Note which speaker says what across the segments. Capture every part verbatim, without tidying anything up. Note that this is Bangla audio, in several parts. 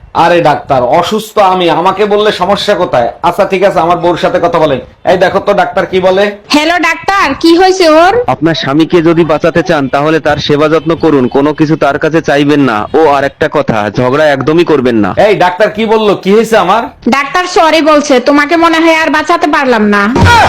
Speaker 1: আরে ডাক্তার, অসুস্থ আমি, আমাকে বললে সমস্যা কোথায়? আচ্ছা ঠিক আছে, আমার বউর সাথে কথা বলেন। এই দেখো তো ডাক্তার কি বলে।
Speaker 2: হ্যালো ডাক্তার, কি হয়েছে ওর?
Speaker 3: আপনার স্বামীকে যদি বাঁচাতে চান তাহলে তার সেবা যত্ন করুন, কোনো কিছু তার কাছে চাইবেন না। ও আর একটা কথা, ঝগড়া একদমই করবেন না।
Speaker 1: এই ডাক্তার কি বললো, কি হয়েছে আমার?
Speaker 2: ডাক্তার সরি বলছে, তোমাকে মনে হয় আর বাঁচাতে পারলাম না।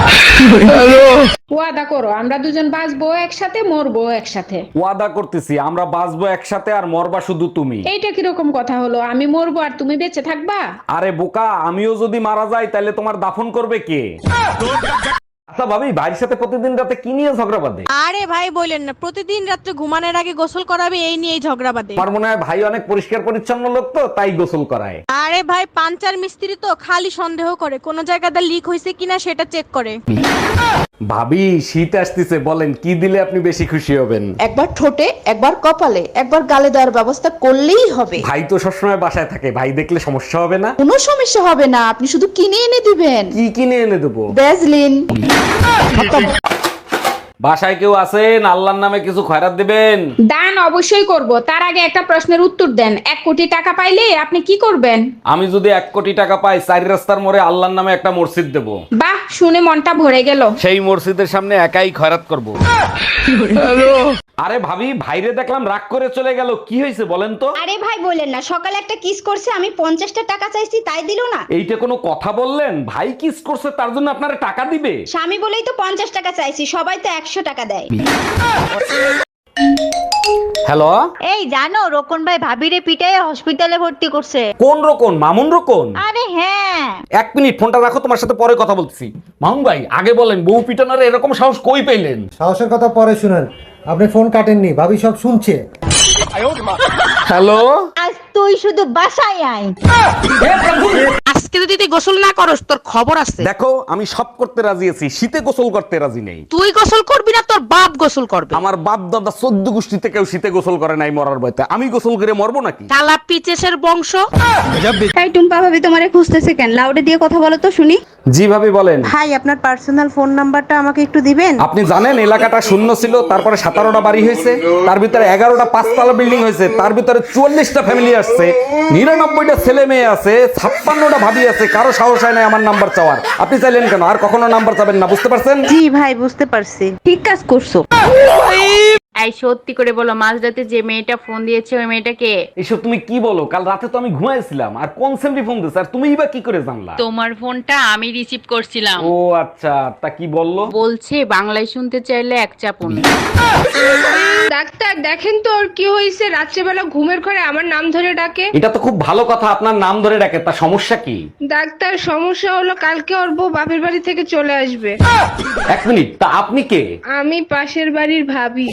Speaker 2: ওয়াদা করো আমরা দুজন বাঁচবো একসাথে, মরবো একসাথে।
Speaker 1: ওয়াদা করতেছি আমরা বাঁচবো একসাথে, আর মরবা শুধু তুমি।
Speaker 2: এইটা কিরকম কথা হলো? আমি মরবো আর তুমি বেঁচে থাকবা?
Speaker 1: আরে বোকা, আমিও যদি মারা যাই তাহলে তোমার দাফন করবে কে? আচ্ছা ভাবি, ভাইয়ের সাথে প্রতিদিন রাতে কি নিয়ে ঝগড়া বাঁধে?
Speaker 4: আরে ভাই বলেন না, প্রতিদিন রাত্রে ঘুমানোর আগে গোসল করাবে এই নিয়েই ঝগড়া বাঁধে।
Speaker 1: আমার মনে হয় ভাই অনেক পরিষ্কার পরিচ্ছন্ন লোক, তো তাই গোসল করায়।
Speaker 4: আরে ভাই পাঞ্চার মিস্ত্রি তো খালি সন্দেহ করে কোন জায়গাটা লিক হয়েছে কিনা সেটা চেক করে।
Speaker 1: ভাবি শীত আসতেছে, বলেন কি দিলে আপনি বেশি খুশি হবেন?
Speaker 5: একবার ঠোঁটে, একবার কপালে, একবার গালে দেওয়ার ব্যবস্থা করলেই হবে।
Speaker 1: ভাই তো সবসময় বাসায় থাকে, ভাই দেখলে সমস্যা হবে না?
Speaker 5: কোনো সমস্যা হবে না, আপনি শুধু কিনে এনে দিবেন।
Speaker 1: কি কিনে এনে দেবো?
Speaker 5: ভ্যাসলিন।
Speaker 1: বাসায় কেউ আছেন? আল্লাহর নামে কিছু খয়রাত দিবেন।
Speaker 2: দান অবশ্যই করব, তার আগে একটা প্রশ্নের উত্তর দেন। এক কোটি টাকা পাইলে আপনি কি করবেন?
Speaker 1: আমি যদি এক কোটি টাকা পাই, চারি রাস্তার মোড়ে আল্লাহর নামে একটা মসজিদ দেব।
Speaker 2: বাহ, শুনে মনটা ভরে গেল।
Speaker 1: সেই মসজিদের সামনে একাই খয়রাত করব। আরে ভাবি, ভাইরে দেখলাম রাগ করে চলে গেল, কি হয়েছে বলেন তো?
Speaker 6: আরে ভাই বলেন না, সকালে একটা কিস করছে, আমি পঞ্চাশটা টাকা চাইছি তাই দিল না।
Speaker 1: এইটা কোনো কথা বললেন? ভাই কিস করছে তার জন্য আপনারা টাকা দিবে?
Speaker 6: স্বামী বলেই তো পঞ্চাশ টাকা চাইছি, সবাই তো একশো টাকা দেয়।
Speaker 1: হ্যালো,
Speaker 7: এই জানো রোকন ভাই ভাবিরে পিটাই হসপিটালে ভর্তি করছে।
Speaker 1: কোন রকম? মামুন রকম?
Speaker 7: আরে হ্যাঁ।
Speaker 1: এক মিনিট ফোনটা রাখো, তোমার সাথে পরে কথা বলতেছি। মামুন ভাই আগে বলেন, বউ পিটানোর এরকম সাহস কই পেলেন?
Speaker 8: সাহসের কথা পরে শুনেন, আপনি ফোন কাটেননি, ভাবি সব শুনছে।
Speaker 1: হ্যালো,
Speaker 7: আজ তুই শুধু বাসায় আয়।
Speaker 4: আজকে যদি তুই গোসল না করস তোর খবর আছে।
Speaker 1: দেখো আমি সব করতে রাজি আছি, শীতে গোসল করতে রাজি নেই।
Speaker 4: তুই গোসল করবি না, তোর বাপ গোসল করবে।
Speaker 1: আমার বাপ দাদা চোদ্দ গোষ্ঠীতে কেউ শীতে গোসল করে নাই মরার ভয়তে, আমি গোসল করে মরবো নাকি?
Speaker 4: শালা পিচেসের বংশ।
Speaker 6: তাই টুম্পা ভাবি তোমারে খুঁজতেছে কেন? লাউডে দিয়ে কথা বলো তো শুনি।
Speaker 1: জি ভাবি বলেন।
Speaker 4: ভাই আপনার পার্সোনাল ফোন নাম্বারটা আমাকে একটু দিবেন?
Speaker 1: আপনি জানেন এলাকাটা শূন্য ছিল, তারপরে সতেরোটা বাড়ি হয়েছে, তার ভিতরে এগারোটা পাঁচতলা বিল্ডিং হয়েছে, তার ভিতরে চুয়াল্লিশটা ফ্যামিলি আসছে, নিরানব্বইটা ছেলে মেয়ে আছে, ছাপ্পান্নটা ভাবি আছে, কারো সাহস হয় না আমার নাম্বার চাওয়ার। আপনি চাইলেন কেন? আর কখনো নাম্বার চাবেন না, বুঝতে পারছেন?
Speaker 7: জি ভাই বুঝতে পারছি।
Speaker 6: ঠিক কাজ করছো।
Speaker 7: এই সত্যি করে বলো, মাঝরাতে যে মেয়েটা ফোন দিয়েছে ওই মেয়েটা কে?
Speaker 1: এইসব তুমি কি বলো? কাল রাতে তো আমি ঘুমাইছিলাম, আর কোন সেমরি ফোন দিছে, আর তুমিই বা কি করে জানলা?
Speaker 7: তোমার ফোনটা আমি রিসিভ করছিলাম।
Speaker 1: ও আচ্ছা, তা কি বললো?
Speaker 7: বলছে বাংলায় শুনতে চাইলে এক চাপুন।
Speaker 2: ডাক্তার দেখেন তো ওর কি হয়েছে, রাত্রেবেলা ঘুমের ঘরে আমার নাম ধরে ডাকে।
Speaker 1: এটা তো খুব ভালো কথা, আপনার নাম ধরে ডাকে, তা সমস্যা কি?
Speaker 2: ডাক্তার সমস্যা হলো কালকে ওর বউ বাপের বাড়ি থেকে চলে আসবে।
Speaker 1: এক মিনিট, তা আপনি কে?
Speaker 2: আমি পাশের বাড়ির ভাবি।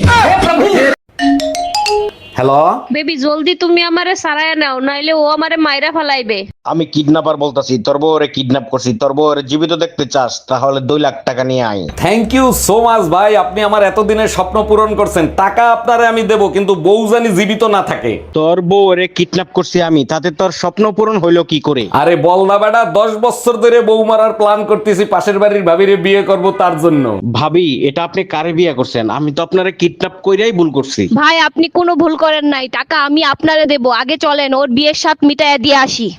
Speaker 1: হ্যালো,
Speaker 9: বেবি জলদি তুমি আমারে সারায় নাও, নাইলে ও আমারে মাইরা ফালাইবে।
Speaker 10: আমি কিডন্যাপার বলতাছি, তোর বউরে কিডন্যাপ করছি। তোর বউরে জীবিত দেখতে চাস তাহলে দুই লাখ টাকা নিয়ে আয়।
Speaker 1: থ্যাংক ইউ সো মাচ ভাই, আপনি আমার এতদিনের স্বপ্ন পূরণ করছেন। টাকা আপনারে আমি দেব, কিন্তু বউ জানি জীবিত না থাকে।
Speaker 10: তোর বউরে কিডন্যাপ করছি আমি, তাতে তোর স্বপ্ন পূরণ হইলো কি করে?
Speaker 1: আরে বল না বেটা, দশ বছর ধরে বউ মারার প্ল্যান করতেছি, পাশের বাড়ির ভাবিরে বিয়ে করব তার জন্য।
Speaker 10: ভাবি এটা আপনি কারে বিয়ে করছেন? আমি তো আপনারে কিডন্যাপ কইরাই ভুল করছি।
Speaker 9: ভাই আপনি কোনো ভুল করেন নাই, টাকা আমি আপনারে দেব। আগে চলেন ওর বিয়ের সাথ মিটায় দিয়ে আসি।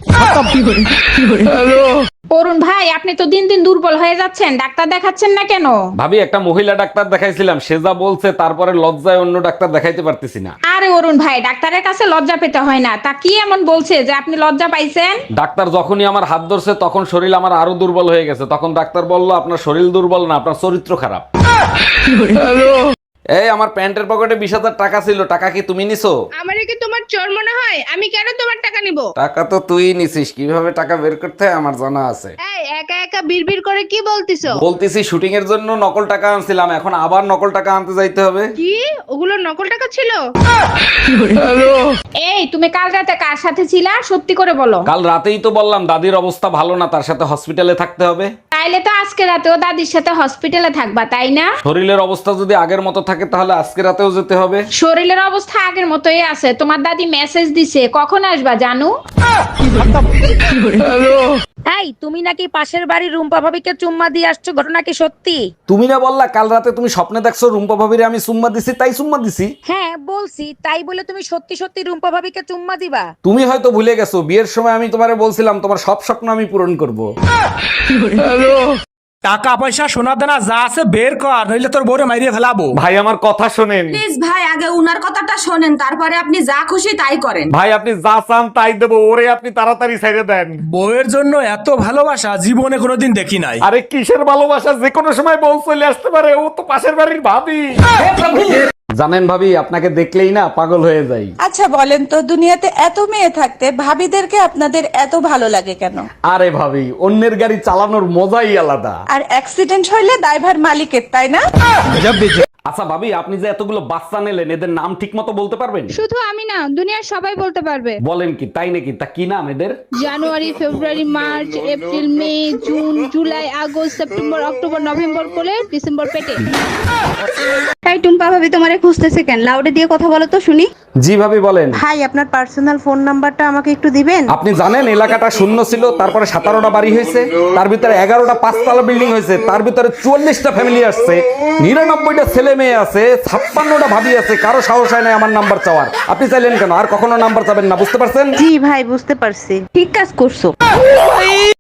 Speaker 2: অরুণ ভাই আপনি তো দিন দিন দুর্বল হয়ে যাচ্ছেন, ডাক্তার দেখাচ্ছেন না কেন?
Speaker 1: ভাবি একটা মহিলা ডাক্তার দেখাইছিলাম, সে যা বলছে তারপরে লজ্জায় অন্য ডাক্তার দেখাইতে পারতেছি না।
Speaker 2: আরে অরুণ ভাই, ডাক্তারের কাছে লজ্জা পেতে হয় না। তা কি এমন বলছে যে আপনি লজ্জা পাইছেন?
Speaker 1: ডাক্তার যখনই আমার হাত ধরছে তখন শরীর আমার আরো দুর্বল হয়ে গেছে, তখন ডাক্তার বলল আপনার শরীর দুর্বল না, আপনার চরিত্র খারাপ। এই আমার প্যান্টের পকেটে বিশ হাজার টাকা ছিল, টাকা কি তুমি নিছো?
Speaker 2: আমারে কি তোমার চোর মনে হয়? আমি কেন তোমার টাকা নিব?
Speaker 1: টাকা তো তুই নিছিস, কিভাবে টাকা বের করতে হয় আমার জানা আছে।
Speaker 6: এই একা একা বিড়বিড় করে কি বলতিছো?
Speaker 1: বলতেছি শুটিং এর জন্য নকল টাকা আনছিলাম, এখন আবার নকল টাকা আনতে যাইতে হবে।
Speaker 2: কি ওগুলো নকল টাকা ছিল? এই তুমি কাল রাতে কার সাথে ছিলা, সত্যি করে বলো।
Speaker 1: কাল রাতেই তো বললাম দাদির অবস্থা ভালো না, তার সাথে হসপিটালে থাকতে হবে।
Speaker 2: তাইলে তো আজকে রাতেও দাদির সাথে হসপিটালে থাকবা, তাই না?
Speaker 1: শরীরের অবস্থা যদি আগের মতো থাকে তাহলে আজকে রাতেও যেতে হবে।
Speaker 2: শরীরের অবস্থা আগের মতোই আছে, তোমার দাদি মেসেজ দিছে, কখন আসবা জানু?
Speaker 9: এই তুমি নাকি পাশের বাড়ির রুম্পা ভাবিকে চুম্মা দিয়ে আসছো, ঘটনা কি সত্যি?
Speaker 1: তুমি না বললা কাল রাতে তুমি স্বপ্নে দেখছো রুম্পা ভাবিরে আমি সুম্মা দিছি, তাই সুম্মা দিছি।
Speaker 9: হ্যাঁ বলছি, তাই বলে তুমি সত্যি সত্যি রুম্পা ভাবিকে চুম্মা দিবা?
Speaker 1: তুমি হয়তো ভুলে গেছো বিয়ের সময় আমি তোমারে বলছিলাম তোমার সব স্বপ্ন আমি পূরণ করব।
Speaker 11: টাকা পয়সা সোনা দানা যা আছে বের কর, নইলে তোর বউরে মাইরিয়ে ফেলাবো।
Speaker 1: ভাই আমার কথা শোনেন।
Speaker 6: প্লিজ ভাই আগে উনার কথাটা শোনেন, তারপরে আপনি যা খুশি তাই করেন।
Speaker 1: ভাই আপনি যা চান তাই দেবো, ওরে আপনি তাড়াতাড়ি ছেড়ে দেন।
Speaker 11: বউয়ের জন্য এত ভালোবাসা জীবনে কোনোদিন দেখি নাই।
Speaker 1: আরে কিসের ভালোবাসা, যে কোনো সময় বউ চলে আসতে পারে, ও তো পাশের বাড়ির ভাবি। জানেন ভাবি, আপনাকে দেখলেই না পাগল হয়ে যাই।
Speaker 5: আচ্ছা বলেন তো, দুনিয়াতে এত মেয়ে থাকতে ভাবিদেরকে আপনাদের এত ভালো লাগে কেন?
Speaker 1: আরে ভাবি, অন্যের গাড়ি চালানোর মজাই আলাদা।
Speaker 5: আর অ্যাক্সিডেন্ট হইলে দায়ভার মালিকের, তাই না?
Speaker 1: আচ্ছা ভাবি, আপনি যে এতগুলো বাচ্চা নিলেন, এদের নাম ঠিক মতো বলতে পারবেন?
Speaker 2: শুধু আমি না, দুনিয়ার সবাই বলতে পারবে।
Speaker 1: বলেন কি, তাই নাকি? তা কি নাম এদের?
Speaker 2: January, February, March, April, May, June, July, August, September, October, November কোলে, ডিসেম্বর পেটে।
Speaker 6: তাই টুম্পা ভাবি তোমারে খুঁজতেছে কেন? লাউডে দিয়ে কথা বলো তো শুনি।
Speaker 1: জি ভাবি বলেন।
Speaker 5: ভাই আপনার পার্সোনাল ফোন নাম্বারটা আমাকে একটু দিবেন?
Speaker 1: আপনি জানেন এলাকাটা শূন্য ছিল, তারপরে সতেরোটা বাড়ি হয়েছে, তার ভিতরে এগারোটা পাঁচতলা বিল্ডিং হয়েছে, তার ভিতরে চুয়াল্লিশটা ফ্যামিলি আসছে, নিরানব্বইটা ছেলে মেয়ে আছে, ছাপ্পান্নটা ভাবি আছে, কারো সাহস হয় না আমার নাম্বার চাওয়ার। আপনি চাইলেন কেন? আর কখনো নাম্বার চাবেন না, বুঝতে পারছেন?
Speaker 5: জি ভাই বুঝতে পারছি, ঠিক কাজ করছো।